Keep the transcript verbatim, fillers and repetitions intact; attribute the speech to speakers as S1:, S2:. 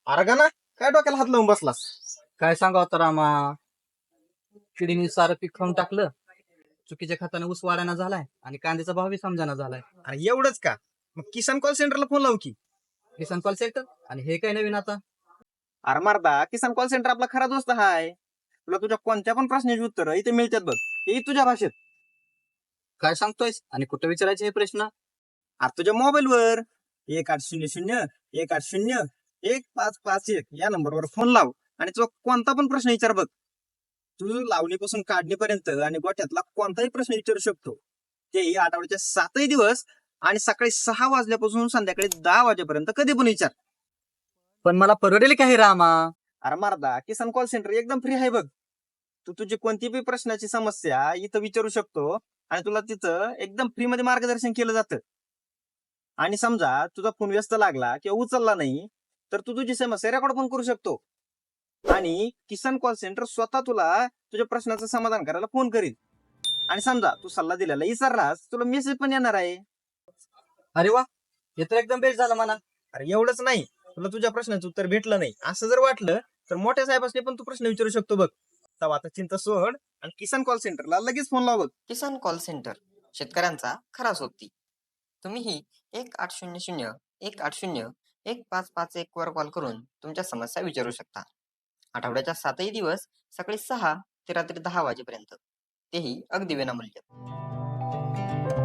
S1: अरे का ना, काय डोक्याला हात लावून बसलास?
S2: काय सांगावं तर आम्हा किडीने सारं पीक खाऊन टाकलं. चुकीच्या खताने ऊस वाढायला झालाय आणि कांद्याचा भावही समजाना झालाय.
S1: अरे एवढंच का? मग किसान कॉल सेंटरला फोन लावू की.
S2: किसान कॉल सेंटर आणि हे काय नवीन आता?
S1: अरे मारदा, किसान कॉल सेंटर आपला खरा दोस्त हाय. तुला तुझ्या कोणत्या पण प्रश्नाची उत्तर इथे मिळतात बघ, ते तुझ्या भाषेत.
S2: काय सांगतोयस आणि कुठं विचारायचे हे प्रश्न?
S1: अरे तुझ्या मोबाईलवर एक आठ शून्य शून्य एक आठ शून्य एक पाच पाच एक या नंबरवर फोन लाव आणि तुझा कोणता पण प्रश्न विचार बघ. तू लावणीपासून काढणीपर्यंत आणि गोठ्यातला कोणताही प्रश्न विचारू शकतो. तेही आठवड्याच्या सातही दिवस आणि सकाळी सहा वाजल्यापासून संध्याकाळी दहा वाजेपर्यंत कधी पण विचार.
S2: पण मला परवडेल का हे रामा?
S1: अरे मारदा, किसान कॉल सेंटर एकदम फ्री आहे बघ. तू तुझी कोणतीही प्रश्नाची समस्या इथं विचारू शकतो आणि तुला तिथं एकदम फ्री मध्ये मार्गदर्शन केलं जातं. आणि समजा तुझा फोन व्यस्त लागला किंवा उचलला नाही तर तू तुझी समस्या रेकॉर्ड पण करू शकतो. आणि किसान कॉल सेंटर स्वतः तुला तुझ्या प्रश्नाचं समाधान करायला फोन करील. आणि समजा तू सल्ला दिलेला विसरलास, तुला मेसेज पण येणार आहे.
S2: अरे वा, हे तर एकदम बेस्ट झालं म्हणा.
S1: अरे एवढंच नाही, तुला तुझ्या प्रश्नाचं उत्तर भेटलं नाही असं जर वाटलं तर मोठ्या साहेबांनी पण तू प्रश्न विचारू शकतो बघ. तेव्हा आता चिंता सोड आणि किसान कॉल सेंटरला लगेच फोन लाव बघ.
S3: किसान कॉल सेंटर, शेतकऱ्यांचा खरा सोबती. तुम्हीही एक आठ शून्य शून्य एक आठ शून्य एक पाच पाच एक वर कॉल करून तुमच्या समस्या विचारू शकता. आठवड्याच्या सातही दिवस सकाळी सहा ते रात्री दहा वाजेपर्यंत, तेही अगदी विनामूल्य.